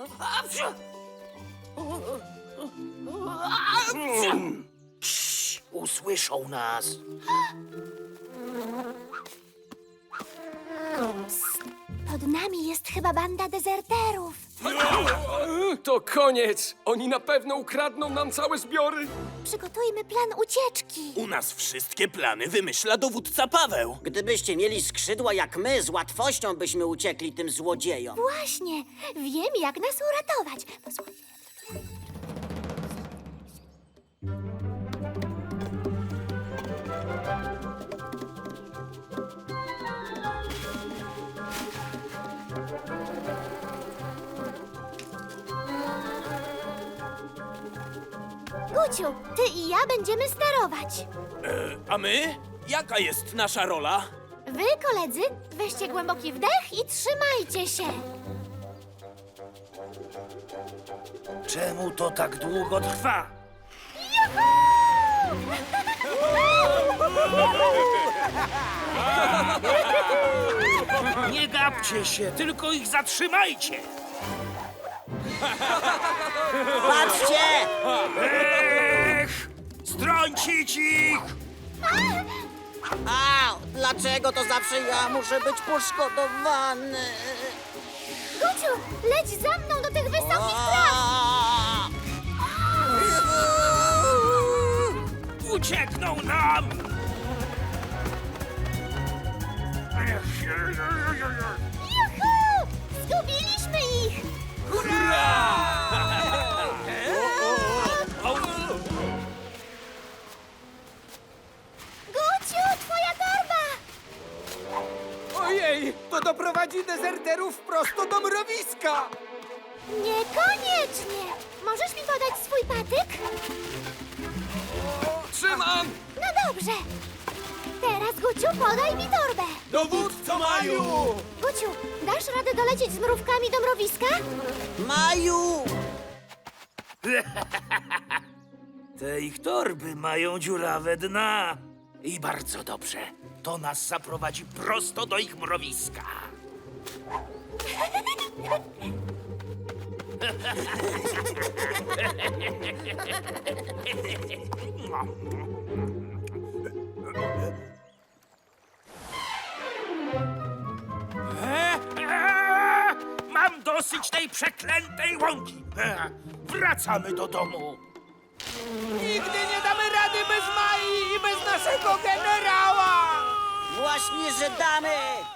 Usłyszą nas. Pod nami jest chyba banda dezerterów. To koniec! Oni na pewno ukradną nam całe zbiory! Przygotujmy plan ucieczki. U nas wszystkie plany wymyśla dowódca Paweł. Gdybyście mieli skrzydła jak my, z łatwością byśmy uciekli tym złodziejom. Właśnie, wiem jak nas uratować. Posłuchaj. Guciu, ty i ja będziemy sterować. A my? Jaka jest nasza rola? Wy, koledzy, weźcie głęboki wdech i trzymajcie się. Czemu to tak długo trwa? Nie gapcie się, tylko ich zatrzymajcie! Patrzcie! Strącić ich! Au! Dlaczego to zawsze ja muszę być poszkodowany? Guciu, leć za mną do tych wysokich traw. A! Uciekną nam! Juhu! Zgubiliśmy ich! Guciu, twoja torba! Ojej! To doprowadzi dezerterów prosto do mrowiska! Niekoniecznie! Możesz mi podać swój patyk? Trzymam! No dobrze. Teraz, Guciu, podaj mi torbę. Dowódco Maju! Guciu, dasz radę dolecieć z mrówkami do mrowiska? Maju! Te ich torby mają dziurawe dna. I bardzo dobrze. To nas zaprowadzi prosto do ich mrowiska. Mam dosyć tej przeklętej łąki. Wracamy do domu. Nigdy nie damy rady bez Mai i bez naszego generała! Właśnie, że damy!